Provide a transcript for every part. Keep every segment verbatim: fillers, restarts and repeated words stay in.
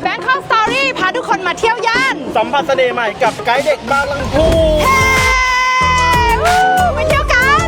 Bangkok Story พาทุกคนมาเที่ยวย่านสัมผัสเสน่ห์ใหม่กับไกด์เด็กบางลำพูเฮ้ไปเที่ยวกัน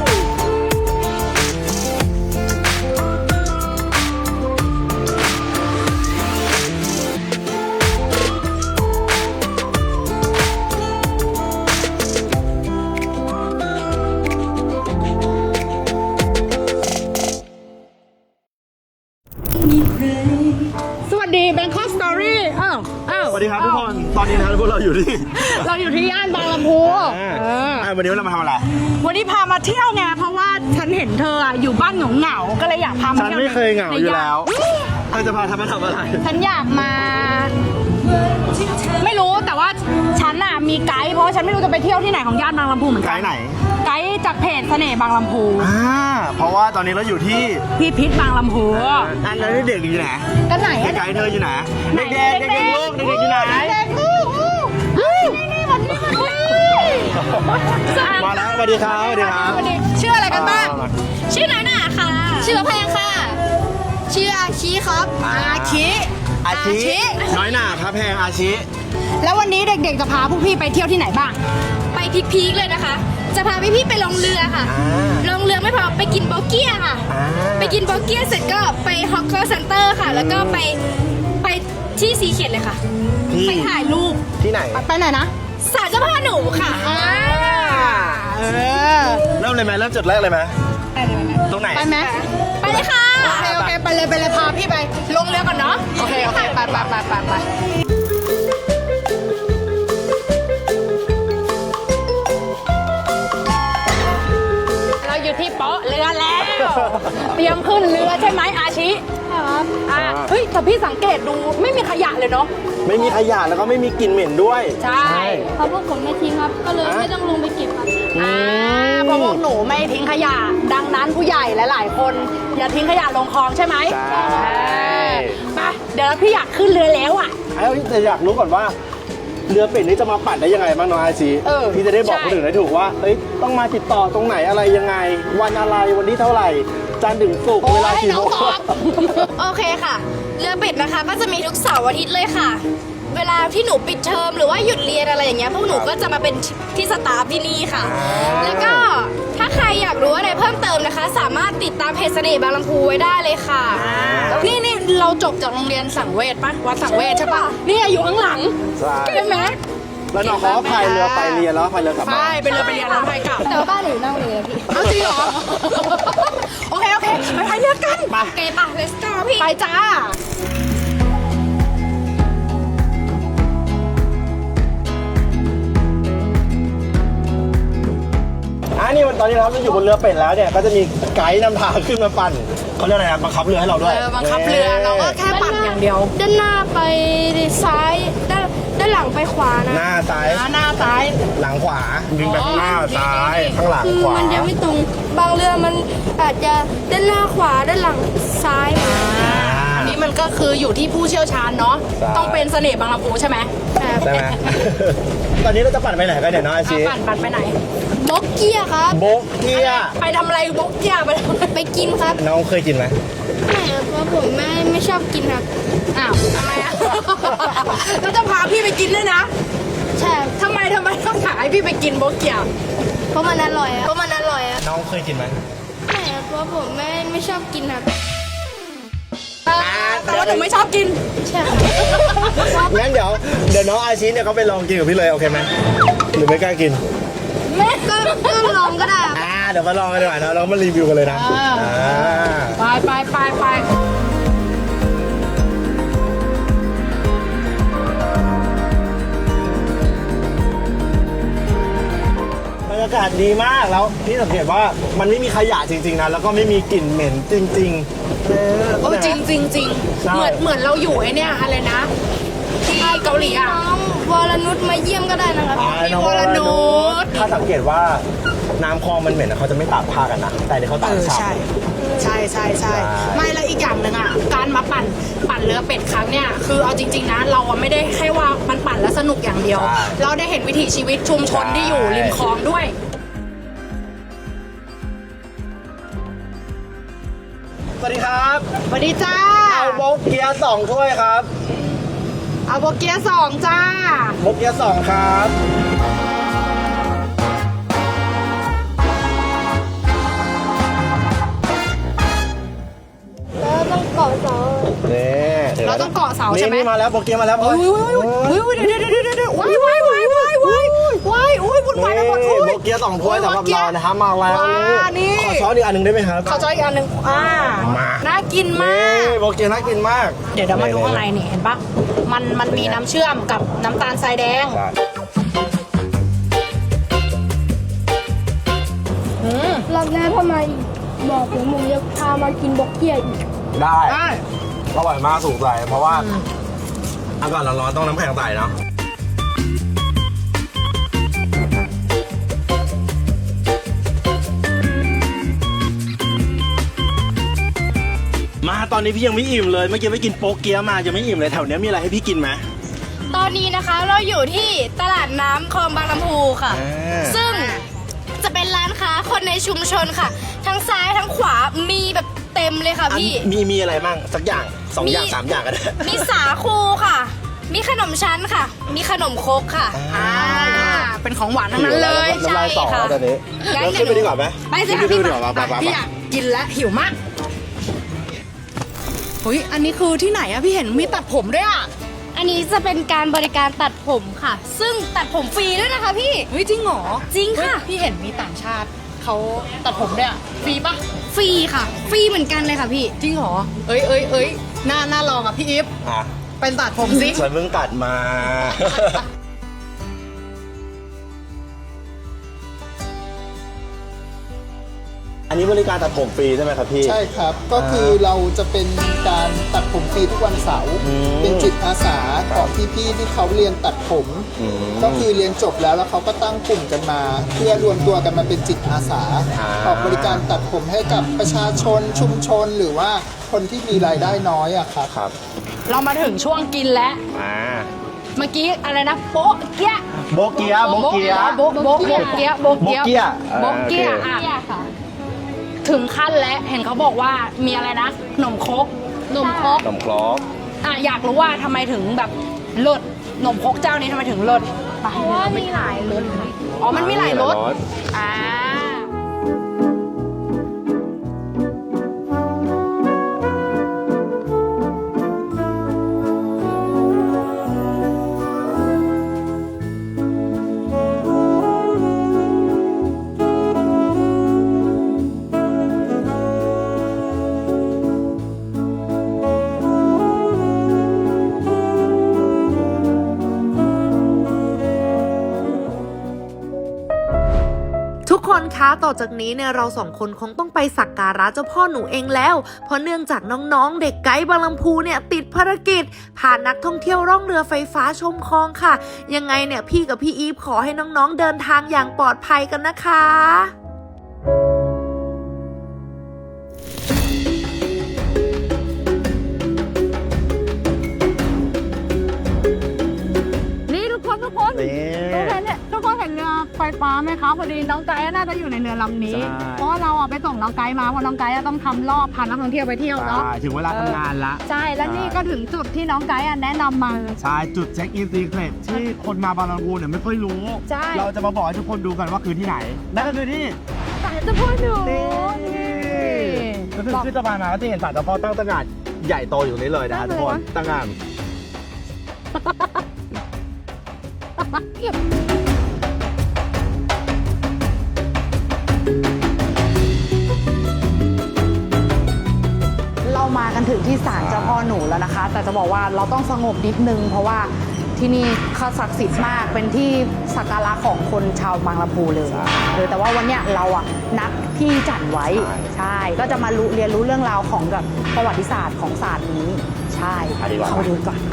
สวัสดี Bangkok Story อ้าวอ้าวสวัสดีครับทุกคน ตอนนี้นะครับพวกเราอยู่ที่เราอยู่ที่ย่านบางลำพูวันนี้เรามาทำอะไรวันนี้พามาเที่ยวไงเพราะว่าฉันเห็นเธออยู่บ้านเหงาๆก็เลยอยากพามาเที่ยวฉันไม่เคยเหงาอยู่แล้วเธอจะพาทำมาทำอะไรฉันอยากมาไม่รู้แต่ว่าฉันน่ะมีไกด์เพราะฉันไม่รู้จะไปเที่ยวที่ไหนของย่านบางลำพูเหมือนกันไกด์ไหนไกด์จากเพจเสน่ห์บางลำพูอ่าเพราะว่าตอนนี้เราอยู่ที่พิพิธบางลำพูอันแล้วเด็กอยู่ไหนกันไหนไกด์เธออยู่ไหนเด็กๆเด็กๆลูกเด็กๆอยู่ไหนเด็กลูกนี่นี่วันนี้มาแล้วสวัสดีครับสวัสดีครับชื่ออะไรกันบ้างชื่อน้อยหน่าค่ะชื่อแพงค่ะชื่ออาชิครับอาชิอาชิน้อยหน่าพระแพงอาชิแล้ววันนี้เด็กๆจะพาพวกพี่ไปเที่ยวที่ไหนบ้างไปพีคๆเลยนะคะจะพาพี่ๆไปลงเรือค่ะลงเรือไม่พอไปกินโบเกียค่ะไปกินโบเกียเสร็จก็ไปฮอกเกอร์เซ็นเตอร์ค่ะแล้วก็ไปไปที่ซีเข็ดเลยค่ะไปถ่ายรูปที่ไหนไปไหนนะศาลเจ้าพ่อหนูค่ะเริ่มเลยไหมเริ่มจุดแรกเลยไหมตรงไหนไปไหมไปเลยค่ะโอเคโอเคไปเลยไปเลยพาพี่ไปลงเรือก่อนเนาะโอเคโอเคไปไปไปไปไปเราอยู่ที่โป๊ะเรือแล้วเตรียมขึ้นเรือใช่ไหมอาชิครับอ่าเฮ้ยแต่พี่สังเกตดูไม่มีขยะเลยเนาะไม่มีขยะแล้วก็ไม่มีกลิ่นเหม็นด้วยใช่เพราะพวกผมไม่ทิ้งครับก็เลยไม่ต้องลงไปเก็บครับอ่าเพราะพวกหนูไม่ทิ้งขยะดังนั้นผู้ใหญ่หลายๆคนอย่าทิ้งขยะลงคลองใช่ไหมใช่ไปเดี๋ยวพี่อยากขึ้นเรือแล้วอ่ะไอ้แต่อยากรู้ก่อนว่าเรือเป็ดนี้จะมาปั่นได้ยังไงบ้างน้องอาชีพี่จะได้บอกคนอื่นได้ถูกว่าเอ้ยต้องมาติดต่อตรงไหนอะไรยังไงวันอะไรวันนี้เท่าไหร่จันทร์ถึงศุกร์เวลากี่โมงโอเคค่ะเรือเป็ดนะคะก็จะมีทุกเสาร์อาทิตย์เลยค่ะเวลาที่หนูปิดเทอมหรือว่าหยุดเรียนอะไรอย่างเงี้ยพวกหนูก็จะมาเป็นที่สตาฟที่นี่ค่ะแล้วก็ถ้าใครอยากรู้อะไรเพิ่มเติมนะคะสามารถติดตามเพจเสน่ห์บางลำพูไว้ได้เลยค่ะนี่นี่เราจบจากโรงเรียนสังเวชปะวัดสังเวชใช่ปะนี่อยู่ข้างหลังใช่ไหมแล้วน้องเขาพายเรือไปเรียนแล้วพายเรือกลับบ้านใช่เป็นเรือไปเรียนแล้วพายกลับแต่ว่าบ้านหนูนั่งเรือพี่เอาจริงเหรอโอเคโอเคไปพายเรือกันโอเคป่ะ let's go พี่ไปจ้าอันนี้ตอนนี้เราอยู่บนเรือเป็ดแล้วเนี่ยก็จะมีไกด์นำทางขึ้นมาปั่นเขาเรียกอะไรนะบังคับเรือให้เราด้วยบังคับเรือเราก็แค่ปั่นอย่างเดียวด้านหน้าไปซ้ายด้านด้านหลังไปขวานะหน้าซ้ายหน้าซ้ายหลังขวาดึงไปข้างหน้าซ้ายข้างหลังขวามันยังไม่ตรงบางเรือมันอาจจะด้านหน้าขวาด้านหลังซ้ายอันนี้มันก็คืออยู่ที่ผู้เชี่ยวชาญเนาะต้องเป็นเสน่ห์บางลำพูใช่ไหมใช่ไหมตอนนี้เราจะปั่นไปไหนกันเนี่ยน้องอาชีปั่นปั่นไปไหนโบกเกียครับโบกเกียไปทำอะไรโบกเกียไปไปกินครับน้องเคยกินไหมไม่ครับเพราะผมไม่ไม่ชอบกินครับอ้าวทำไมอ่ะแล้วจะพาพี่ไปกินด้วยนะใช่ทำไมทำไมต้องขายให้พี่ไปกินโบกเกียเพราะมันอร่อยอ่ะเพราะมันอร่อยอ่ะน้องเคยกินไหมไม่ครับเพราะผมไม่ไม่ชอบกินครับแต่ว่าหนูไม่ชอบกินใช่งั้นเดี๋ยวเดี๋ยวน้องอาชีเนี่ยเขาไปลองกินกับพี่เลยโอเคไหมหรือไม่กล้ากินไม่ก็ก็ลองก็ได้อ่าเดี๋ยวมาลองกันดีกว่านะเรามารีวิวกันเลยนะไปไปไปไปบรรยากาศดีมากแล้วพี่สังเกตว่ามันไม่มีขยะจริงๆนะแล้วก็ไม่มีกลิ่นเหม็นจริงๆเออจริงจริงจริงเหมือนเหมือนเราอยู่ไอ้เนี่ยอะไรนะที่เกาหลีอ่ะวรนุชมาเยี่ยมก็ได้นะครับวรนุชถ้าสังเกตว่าน้ำคลองมันเหม็นเขาจะไม่ตากผ้ากันนะแต่เดี๋ยวเขาตากฉ่ำใช่ใช่ใช่ใช่ไม่แล้วอีกอย่างหนึ่งอ่ะการมาปั่นปั่นเรือเป็ดครั้งเนี่ยคือเอาจริงๆนะเราไม่ได้แค่ว่ามันปั่นแล้วสนุกอย่างเดียวเราได้เห็นวิถีชีวิตชุมชนที่อยู่ริมคลองด้วยสวัสดีครับสวัสดีจ้าเอาโบกเกียร์สองถ้วยครับเอาโบเกียสองจ้าโบเกียสองครับแล้วต้องเกาะเสานี่ดี๋ยวเราต้องเกาะเสาใช่ไหมนี่มาแล้วโบเกียมาแล้วโอ้ยโอ้ยโอ้ยโอ้ยเดี๋ยวเดี๋ยวเดี๋ยวเดี๋ยวว้ายว้ายว้ายว้ายว้ายว้ายโอ้ยวุ่นวายไปหมดทุนี่ยโบเกียสองถ้วยสำหรับเรานะครับมาแล้วว้านี่ขอช้อนอีกอันหนึ่งได้ไหมครับข้าวจอยอีกอันหนึ่งอ่ามาน่ากินมากนี่โบเกียน่ากินมากเดี๋ยวเดี๋ยวมาดูข้างในนี่เห็นปะมันมันมีน้ำเชื่อมกับน้ำตาลทรายแดงใช่อืมรอบหน้าถ้ามาอีกบอกผมผมจะพามากินบกเกียอีกได้ได้อร่อยมากสูงใจเพราะว่าอากาศร้อนๆต้องน้ำแข็งใส่เนาะมาตอนนี้พี่ยังไม่อิ่มเลยเมื่อกี้ไปกินโป๊กเกี๊ยะมายังไม่อิ่มเลยแถวเนี้ยมีอะไรให้พี่กินไหมตอนนี้นะคะเราอยู่ที่ตลาดน้ำคลองบางลำพูค่ะอ่าซึ่งจะเป็นร้านค้าคนในชุมชนค่ะ ทั้งซ้ายทั้งขวามีแบบเต็มเลยค่ะพี่มีมีอะไรบ้างสักอย่างสองอย่างมีสามอย่างก็ได้มีสาคูค่ะ มีขนมชั้นค่ะ มีขนมครกค่ะอ่าอ่าเป็นของหวานทั้งนั้นเลยน้ำลายสอใช่ค่ะตอนนี้งั้นเราขึ้นไปดีกว่าไหมไปสิขึ้ค่ะนไปพี่ดีกว่ามาไปไปไปพี่อยากกินแล้วหิวมากเฮ้ยอันนี้คือที่ไหนอะพี่เห็นมีตัดผมด้วยอะอันนี้จะเป็นการบริการตัดผมค่ะ ซึ่งตัดผมฟรีด้วยนะคะพี่เฮ้ยจริงเหรอจริงค่ะเฮ้ยพี่เห็นมีต่างชาติเขาตัดผมด้วยอะฟรีปะฟรีค่ะ ฟรีเหมือนกันเลยค่ะพี่จริงเหรอเอ้ยเอ้ยเอ้ยน่าน่าลองอะพี่อีฟอ่ะเป็นตัดผมสิฉันเพิ่งตัดมา อันนี้บริการตัดผมฟรีใช่ไหมครับพี่ใช่ครับ ก็คือเราจะเป็นการตัดผมฟรีทุกวันเสาร์อืมเป็นจิตอาสาของพี่ๆที่เขาเรียนตัดผมอืมก็คือเรียนจบแล้วแล้วเขาก็ตั้งกลุ่มกันมา เพื่อรวมตัวกันมาเป็นจิตอาสาอ่าออกบริการตัดผมให้กับประชาชนชุมชนหรือว่าคนที่มีรายได้น้อยอะครับครับเรามาถึงช่วงกินแล้วอ่าเมื่อกี้อะไรนะโป๊ะเกี๊ยะโบเกียะโบเกียะโบ๊ะโบ๊ะโบ๊ะเกี๊ยะโบ๊ะเกี๊ยะโบ๊ะเกี๊ยะโบ๊ะเกี๊ยะอ่าโอเคอ่ะถึงขั้นแล้วเห็นเขาบอกว่ามีอะไรนะขนมครกขนมครกขนมครกอ่ะอยากรู้ว่าทำไมถึงแบบเลิศขนมครกเจ้านี้ทำไมถึงเลิศเพราะว่ามีหลายรสค่ะอ๋อมันมีหลายรสอ่าทุกคนคะต่อจากนี้เนี่ยเราสองคนคงต้องไปสักการะเจ้าพ่อหนูเองแล้ว เพราะเนื่องจากน้องๆ เด็กไกด์บางลำพูเนี่ยติดภารกิจพานักท่องเที่ยวร่องเรือไฟฟ้าชมคลองค่ะ ยังไงเนี่ยพี่กับพี่อีฟขอให้น้องๆ เดินทางอย่างปลอดภัยกันนะคะนี่ทุกคนทุกคนนี่ทุกคนเนี่ยทุกคนเห็นเรือไฟฟ้าไหมคะพอดีน้องไกด์น่าจะอยู่ในเรือลำนี้ใช่เพราะว่าเราอ่ะไปส่งน้องไกด์มาเพราะน้องไกด์อะต้องทำรอบพานักท่องเที่ยวไปเที่ยวเนาะใช่ถึงเวลาทำงานละใช่แล้วนี่ก็ถึงจุดที่น้องไกด์อะแนะนำมาใช่จุดเช็คอินซีเครตที่คนมาบางลำพูเนี่ยไม่ค่อยรู้ใช่เราจะมาบอกให้ทุกคนดูกันว่าคือที่ไหน นั่นก็คือที่ศาลเจ้าพ่อหนูก็คือขึ้นสะพานมาก็จะเห็นศาลเจ้าพ่อตั้งตระหง่านใหญ่โตอยู่นี่เลยนะทุกคนตั้งงานเรามากันถึงที่ศาลเจ้าพ่อหนูแล้วนะคะ แต่จะบอกว่าเราต้องสงบนิดนึง เพราะว่าที่นี่เขาศักดิ์สิทธิ์มากเป็นที่สักการะของคนชาวบางลำพูเลยเออแต่ว่าวันเนี้ยเราอะนัดพี่จันไว้ใช่ก็จะมารู้เรียนรู้เรื่องราวของแบบประวัติศาสตร์ของศาสตร์นี้ใช่เข้าไปดูก่อน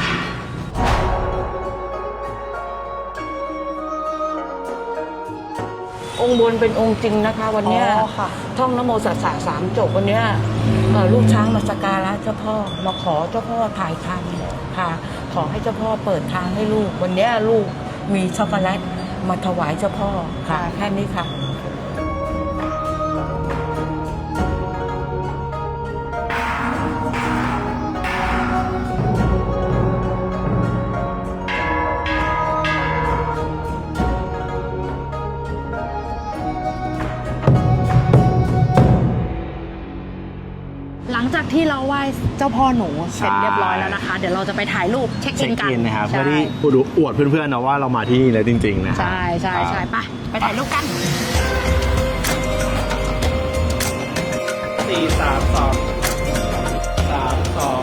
องค์บนเป็นองค์จริงนะคะ วันเนี้ยอ๋อค่ะท่องนโมสัสสะสามจบวันเนี้ยเอ่อลูกช้างมาสักการะเจ้าพ่อมาขอเจ้าพ่อถ่ายทางค่ะ ขอให้เจ้าพ่อเปิดทางให้ลูก วันเนี้ยลูกมีช็อกโกแลตมาถวายเจ้าพ่อค่ะ แค่นี้ค่ะเจ้าพ่อหนูเสร็จใช่เรียบร้อยแล้วนะคะ เดี๋ยวเราจะไปถ่ายรูปเช็คอิเช็คนกันอินนะครับเพื่อใช่ที่อวดเพื่อนๆนะว่าเรามาที่นี่เลยจริงๆนะใช่ใช่ใช่ไปไปถ่ายรูปกันสี่สามสองสามสอง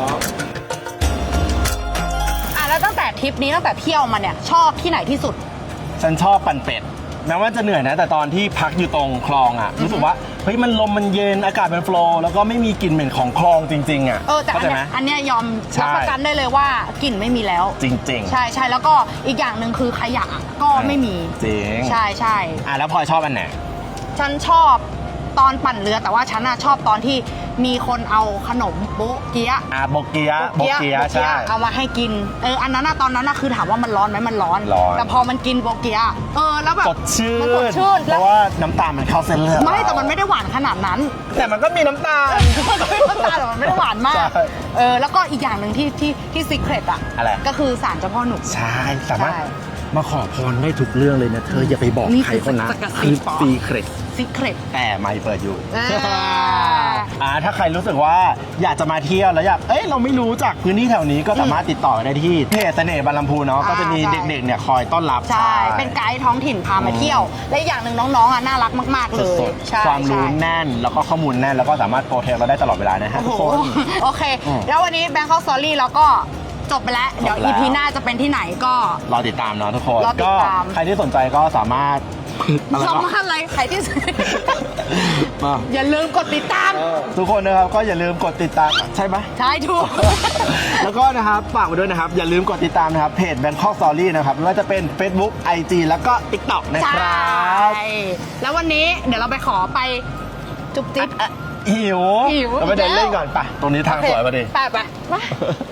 อ่ะแล้วตั้งแต่ทริปนี้ตั้งแต่เที่ยวมาเนี่ยชอบที่ไหนที่สุดฉันชอบปั่นเป็ดแม้ว่าจะเหนื่อยนะ แต่ตอนที่พักอยู่ตรงคลองอ่ะรู้สึกว่าเฮ้ยมันลมมันเย็นอากาศมันโฟลว์แล้วก็ไม่มีกลิ่นเหม็นของคลองจริงๆอ่ะเออแต่อัเข้าน ใจไหมเนี้ยอันเนี้ยยอมใช่รับประกันได้เลยว่ากลิ่นไม่มีแล้วจริงๆใช่ใช่แล้วก็อีกอย่างหนึ่งคือขยะก็ไม่มีจริงใช่ใช่อ่ะแล้วพลอยชอบอันไหนฉันชอบตอนปั่นเรือแต่ว่าฉันน่ะชอบตอนที่มีคนเอาขนมโบ๊ะเกี๊ยะอ่ะโบเกียะโบเกียะโบ๊ะใช่เอามาให้กินเอออันนั้นน่ะตอนนั้นน่ะคือถามว่ามันร้อนไหมมันร้อนร้อนแต่พอมันกินโบ๊ะเกี๊ยะเออแล้วแบบสดชื่มันสดนชื่นเพแล้วราะว่าน้ำตาลมันเข้าเส้นเลือดไม่แต่มันไม่ได้หวานขนาดนั้นแต่มันก็มีน้ำตาลมันก็ไม่น้ำตาลแต่มันไม่ได้หวานมากใช่เออแล้วก็อีกอย่างหนึ่งที่ที่ที่ซีเครตอ่ะอะไรก็คือศาลเจ้าพ่อหนุ่มใช่สามารถใช่มาขอพรได้ทุกเรื่องเลยนะเธออย่าไปบอกนี่ใครคือคนนะสกัดคือสิบปอซีเครตซีเครตแต่ไม่เปิดอยู่อ่าอ่าถ้าใครรู้สึกว่าอยากจะมาเที่ยวแล้วอยากเอ้ยเราไม่รู้จักพื้นที่แถวนี้ก็สามารถติดต่อได้ที่เพจเสน่ห์บางลำพูเนาะอ่าก็จะมีใช่เด็กๆเนี่ยคอยต้อนรับใช่ เป็นไกด์ท้องถิ่นพามาเที่ยว และอีกอย่างหนึ่งน้องๆอ่ะน่ารักมาก ๆ เลยสดใช่ๆความรู้ใช่แน่นแล้วก็ข้อมูลแน่นแล้วก็สามารถโปรเทคเราได้ตลอดเวลานะฮะโอ้ทุโหกคนโอเคอืมแล้ววันนี้ Bangkok Story เราก็จบไปแล้ว เดี๋ยวจบแล้วอี พี หน้าจะเป็นที่ไหนก็รอติดตามเนาะทุกคนรอติดก็ตามใครที่สนใจก็สามารถอะไรชอบวะมากอะไรใครที่มาอย่าลืมกดติดตามทุกคนนะครับก็อย่าลืมกดติดตามใช่ไหมใช่ถูกแล้วก็นะครับฝากไว้ด้วยนะครับ อย่าลืมกดติดตามนะครับเพจ Bangkok Story นะครับไม่ว่าจะเป็น Facebook ไอ จี แล้วก็ TikTok นะใช่ครับแล้ววันนี้เดี๋ยวเราไปขอไปจุ๊บจิ๊บหิวหิวเราไปเดินเล่นก่อนไปตรงนี้ทางสวยพอดีไปไปไป